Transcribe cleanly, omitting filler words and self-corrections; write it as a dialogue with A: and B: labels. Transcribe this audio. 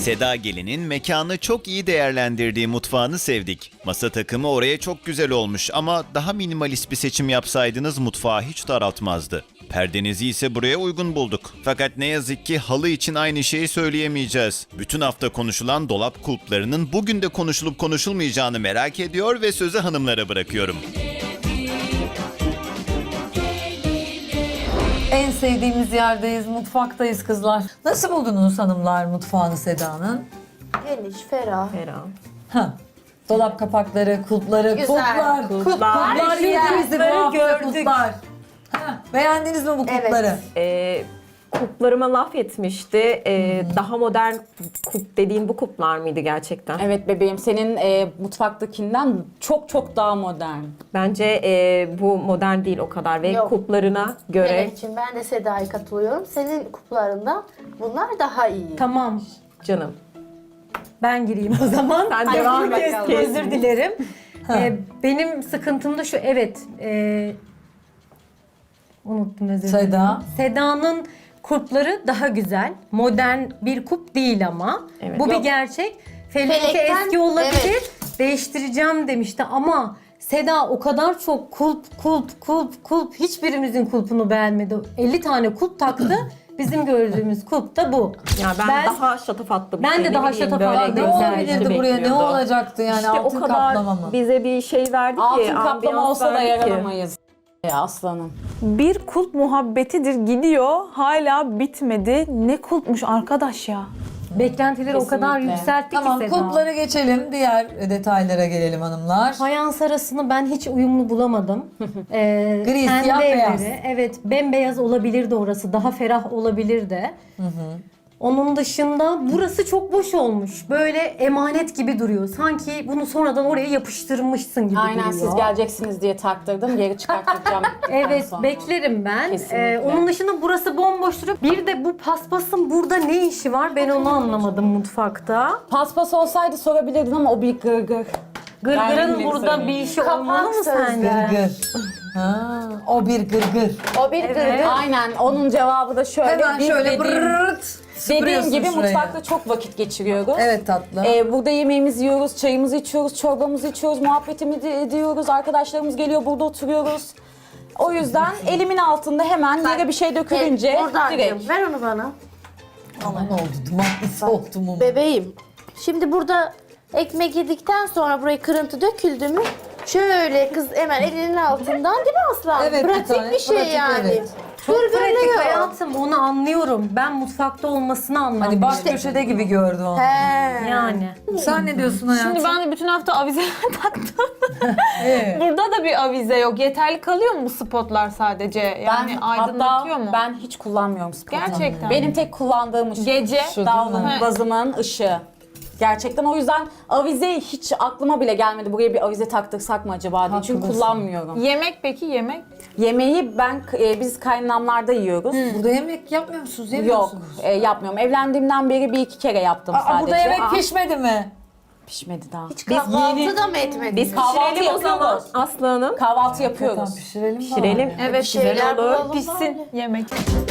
A: Seda Gelin'in mekanı çok iyi değerlendirdiği mutfağını sevdik. Masa takımı oraya çok güzel olmuş ama daha minimalist bir seçim yapsaydınız mutfağı hiç daraltmazdı. Perdenizi ise buraya uygun bulduk. Fakat ne yazık ki halı için aynı şeyi söyleyemeyeceğiz. Bütün hafta konuşulan dolap kulplarının bugün de konuşulup konuşulmayacağını merak ediyor ve sözü hanımlara bırakıyorum.
B: En sevdiğimiz yerdeyiz, mutfaktayız kızlar. Nasıl buldunuz hanımlar mutfağını Seda'nın?
C: Geniş, ferah.
B: Ha. Dolap kapakları, kulpları,
C: Güzel.
B: kulplar,
C: Kulplar,
B: kulplar
C: güzel.
B: yedi bizi bu hafta
D: Gördük.
B: kulplar. Ha. Beğendiniz mi bu kulpları?
D: Kuplarıma laf etmişti. Daha modern kup dediğin bu kuplar mıydı gerçekten?
E: Evet bebeğim, senin mutfaktakinden çok çok daha modern.
D: Bence bu modern değil o kadar ve
C: Yok.
D: kuplarına göre.
C: Melek'ciğim, ben de Seda'ya katılıyorum. Senin kuplarından bunlar daha iyi.
F: Tamam.
D: Canım.
F: Ben gireyim o zaman.
D: Sen devam et.
F: Özür dilerim. Benim sıkıntım da şu, evet. Unuttum, özür dilerim.
B: Seda.
F: Seda'nın kulpları daha güzel. Modern bir kup değil ama.
D: Evet.
F: Bu bir
C: Yok.
F: gerçek. Feliki
C: Felekten,
F: eski olabilir.
C: evet.
F: Değiştireceğim demişti ama Seda o kadar çok kulp hiçbirimizin kulpunu beğenmedi. 50 tane kulp taktı. Bizim gördüğümüz kulp da bu.
D: Ya ben daha şatafatlı bir
F: Ben
D: şey,
F: de
D: ne
F: daha
D: bileyim,
F: şatafatlı.
D: böyle
B: Ne
F: güzel
B: olabilirdi buraya? Ne
D: bekliyordu.
B: olacaktı yani?
D: İşte
B: Altın
D: o kadar
B: kaplama mı?
D: bize bir şey verdi ki.
E: Altın kaplama
D: ambiyans
E: olsa da
D: verdi ki.
E: yaranamayız. Aslanım.
G: Bir kulp muhabbetidir gidiyor. Hala bitmedi. Ne kulpmuş arkadaş ya.
F: Beklentileri o kadar
E: Kesinlikle.
F: yükseltti
B: Tamam,
F: ki Seda.
B: kulplara geçelim. Diğer detaylara gelelim hanımlar.
F: Fayans arasını ben hiç uyumlu bulamadım.
B: Gri,
F: Kendi
B: siyah,
F: evleri,
B: beyaz.
F: evet, bembeyaz olabilirdi orası. Daha ferah olabilirdi. Onun dışında burası çok boş olmuş. Böyle emanet gibi duruyor. Sanki bunu sonradan oraya yapıştırmışsın gibi
E: Aynen,
F: duruyor.
E: siz geleceksiniz diye taktırdım. Geri çıkartacağım.
F: Evet,
E: sonra.
F: beklerim ben.
E: Kesinlikle.
F: Onun dışında burası bomboş duruyor. Bir de bu paspasın burada ne işi var? Ben onu anlamadım mutfakta.
E: Paspas olsaydı sorabilirdin ama o bir gırgır.
F: Gırgırın
E: Ben
F: burada
E: bilmiyorum.
F: bir işi olmalı mı
C: sözde.
F: sence?
B: Gırgır. Ha, o bir gırgır.
C: O bir gırgır.
E: Aynen, onun cevabı da şöyle.
B: Hemen
E: biz
B: şöyle
E: dediğim-
B: brrrt
E: Dediğim
B: süpürüyorsun
E: gibi
B: şuraya.
E: mutfakta çok vakit geçiriyoruz.
B: Evet tatlım.
E: Burada yemeğimizi yiyoruz, çayımızı içiyoruz, çorbamızı içiyoruz, muhabbetimizi ediyoruz, arkadaşlarımız geliyor, burada oturuyoruz. O yüzden elimin altında hemen yere bir şey dökülünce
C: Buradan
E: direkt.
C: ver onu bana.
B: Ama ne oldu? Dumanlısı oldu mu?
C: Bebeğim. Şimdi burada ekmek yedikten sonra buraya kırıntı döküldü mü? Şöyle kız hemen elinin altından, değil mi Aslan?
B: Evet, bir
C: pratik
B: tane,
C: bir şey
B: pratik,
C: yani.
B: evet.
F: Çok pratik
C: Gırgırlıyor.
F: hayatım, onu anlıyorum. Ben mutfakta olmasını anlamıyorum.
B: Hani baş köşede gibi gördüm onu.
C: He.
F: Yani.
B: Sen ne diyorsun hayatım?
G: Şimdi ben de bütün hafta avize taktım.
B: Evet.
G: Burada da bir avize yok. Yeterli kalıyor mu bu spotlar sadece? Yani aydınlatıyor
E: hatta
G: mu?
E: ben hiç kullanmıyorum spotunu.
G: Gerçekten.
E: Benim tek kullandığım ışık
G: Gece.
E: şu davlumbazımın ışığı. Gerçekten o yüzden avize hiç aklıma bile gelmedi. Buraya bir avize taktırsak mı acaba diye. Çünkü
B: Haklısın.
E: kullanmıyorum.
G: Yemek peki, yemek?
E: Yemeği biz kaynanamlarda yiyoruz.
B: Burada yemek yapmıyor musunuz? Yemiyor
E: Yok,
B: musunuz?
E: yapmıyorum. Evlendiğimden beri bir iki kere yaptım sadece.
B: Burada yemek
E: Aa,
B: pişmedi mi?
E: pişmedi daha.
C: Kahvaltı da mı etmediniz?
E: Biz kahvaltı
D: Pişirelim o zaman
E: yapıyoruz.
D: Aslı Hanım.
E: Kahvaltı
B: Tamam,
E: yapıyoruz.
B: pişirelim.
D: Pişirelim.
G: Evet,
C: şeyler
G: güzel olur.
C: bulalım
G: Pişsin
C: bari.
G: yemek.